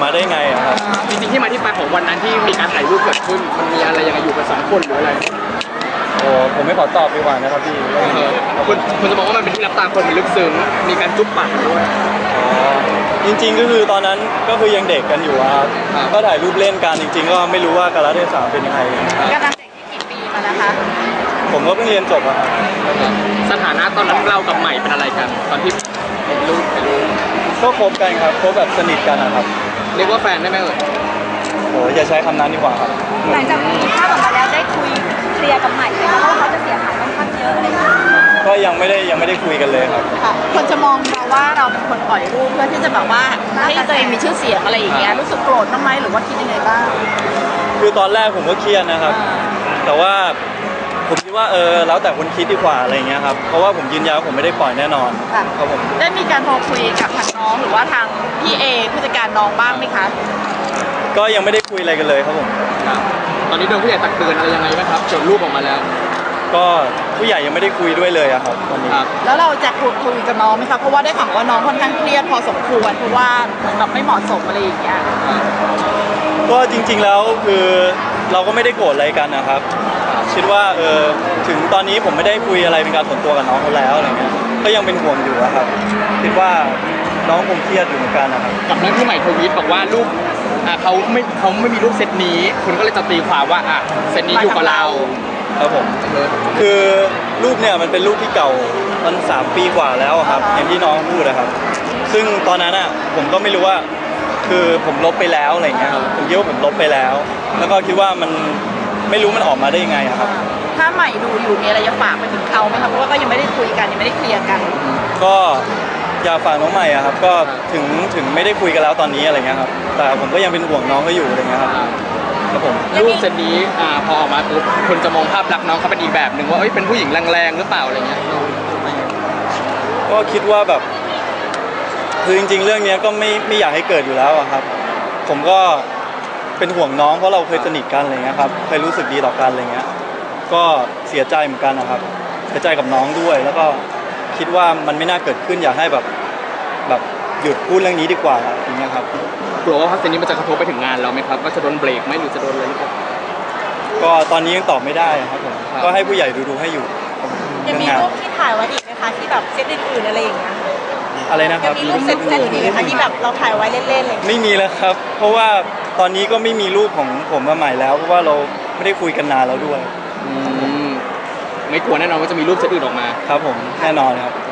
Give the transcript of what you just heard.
มาได้ไงครับจริงๆที่มาที่ไปของวันนั้นที่มีการถ่ายรูปเกิดขึ้นมันมีอะไรยังไงอยู่กัน2 คนหรืออะไรโอ้ผมไม่ขอตอบดีกว่านะครับพี่คุณจะบอกว่ามันเป็นที่รับตาคนมันลึกซึ้งมีการจุ๊บปากด้วยจริงๆก็คือตอนนั้นก็คือยังเด็กกันอยู่ครับก็ถ่ายรูปเล่นกันจริงๆก็ไม่รู้ว่ากาลเทศะเป็นยังไงกันตั้งแต่กี่ปีมาแล้วคะผมก็เพิ่งเรียนจบอะครับสถานะตอนนั้นเรากับใหม่เป็นอะไรกันตอนที่เป็นลูกก็คบกันครับคบแบบสนิทกันนะครับเรียกว่าแฟนได้ไหมโอ้อย่าใช้คำนั้นดีกว่าครับหลังจากมีภาพออกมาแล้วได้คุยเคลียร์กับใหม่ไหมคะว่าเขาจะเสียหายค่อนข้างเยอะอะไรอย่างเงี้ยก็ยังไม่ได้คุยกันเลยครับคนจะมองเราว่าเราเป็นคนปล่อยรูปเพื่อที่จะแบบว่าให้ตัวเองมีชื่อเสียงอะไรอย่างเงี้ยรู้สึกโกรธบ้างไหมหรือว่าคิดยังไงบ้างคือตอนแรกผมก็เครียดนะครับแต่ว่าผมคิดว่าแล้วแต่คนคิดดีกว่าอะไรเงี้ยครับเพราะว่าผมยืนยันว่าผมไม่ได้ปล่อยแน่นอนครับผมได้มีการโทรคุยกับทางน้องหรือว่าทางพี่เอผู้จัดการน้องบ้างไหมคะก็ยังไม่ได้คุยอะไรกันเลยครับผมตอนนี้โดนผู้ใหญ่ตักเตือนอะไรยังไงไหมครับจนรูปออกมาแล้วก็ผู้ใหญ่ยังไม่ได้คุยด้วยเลยอะครับตอนนี้แล้วเราจะคุยกับน้องไหมครับเพราะว่าได้ข่าวว่าน้องค่อนข้างเครียดพอสมควรเพราะว่าแบบไม่เหมาะสมอะไรอย่างเงี้ยก็จริงๆแล้วคือเราก็ไม่ได้โกรธอะไรกันนะครับคิดว่าถึงตอนนี้ผมไม่ได้คุยอะไรเป็นการส่วนตัวกับน้องเขาแล้วอะไรเงี้ยก็ยังเป็นห่วงอยู่ครับคิดว่าน้องคงเครียดอยู่เหมือนกันนะครับกับเรื่องที่ใหม่ทวีตบอกว่ารูปเขาไม่มีรูปเซตนี้คุณก็เลยจะตีความว่าเซตนี้อยู่กับเราครับผมคือรูปเนี่ยมันเป็นรูปที่เก่ามัน3 ปีกว่าแล้วครับอย่างที่น้องพูดนะครับซึ่งตอนนั้นผมก็ไม่รู้ว่าคือผมลบไปแล้วอะไรเงี้ยผมคิดว่าผมลบไปแล้วแล้วก็คิดว่ามันไม่รู้มันออกมาได้ยังไงครับถ้าใหม่ดูอยู่มีอะไรจะฝากไปถึงเขาไหมครับเพราะว่าก็ยังไม่ได้คุยกันยังไม่ได้เคลียร์กันก็อยากฝากน้องใหม่ครับก็ถึงไม่ได้คุยกันแล้วตอนนี้อะไรเงี้ยครับแต่ผมก็ยังเป็นห่วงน้องเขาอยู่อะไรเงี้ยครับผมรูปเซตนี้พอออกมาปุ๊บคนจะมองภาพลักษณ์น้องเขาเป็นอีกแบบหนึ่งว่าเป็นผู้หญิงแรงๆหรือเปล่าอะไรเงี้ยก็คิดว่าแบบคือจริงๆเรื่องนี้ก็ไม่อยากให้เกิดอยู่แล้วครับผมก็เป็นห่วงน้องเพราะเราเคยสนิทกันอะไรเงี้ยครับเคยรู้สึกดีต่อกันอะไรเงี้ยก็เสียใจเหมือนกันนะครับเสียใจกับน้องด้วยแล้วก็คิดว่ามันไม่น่าเกิดขึ้นอยากให้แบบหยุดพูดเรื่องนี้ดีกว่าอย่างเงี้ยครับกลัวว่าพัฒน์นี้มันจะกระทบไปถึงงานเราไหมครับว่าจะโดนเบรกไหมหรือจะโดนอะไรหรือเปล่าก็ตอนนี้ยังตอบไม่ได้ครับผมก็ให้ผู้ใหญ่ดูให้อยู่ยังมีรูปที่ถ่ายไว้อีกไหมคะที่แบบเซตอื่นๆอะไรอย่างเงี้ยอะไรนะครับมีรูปเซตอื่นอีกไหมคะที่แบบเราถ่ายไว้เล่นๆเลยไม่มีแล้วครับเพราะว่าตอนนี้ก็ไม่มีรูปของผมมาใหม่แล้วเพราะว่าเราไม่ได้คุยกันนานแล้วด้วยไม่กลัวแน่นอนว่าจะมีรูปเซตอื่นออกมาครับผมแน่นอนครับ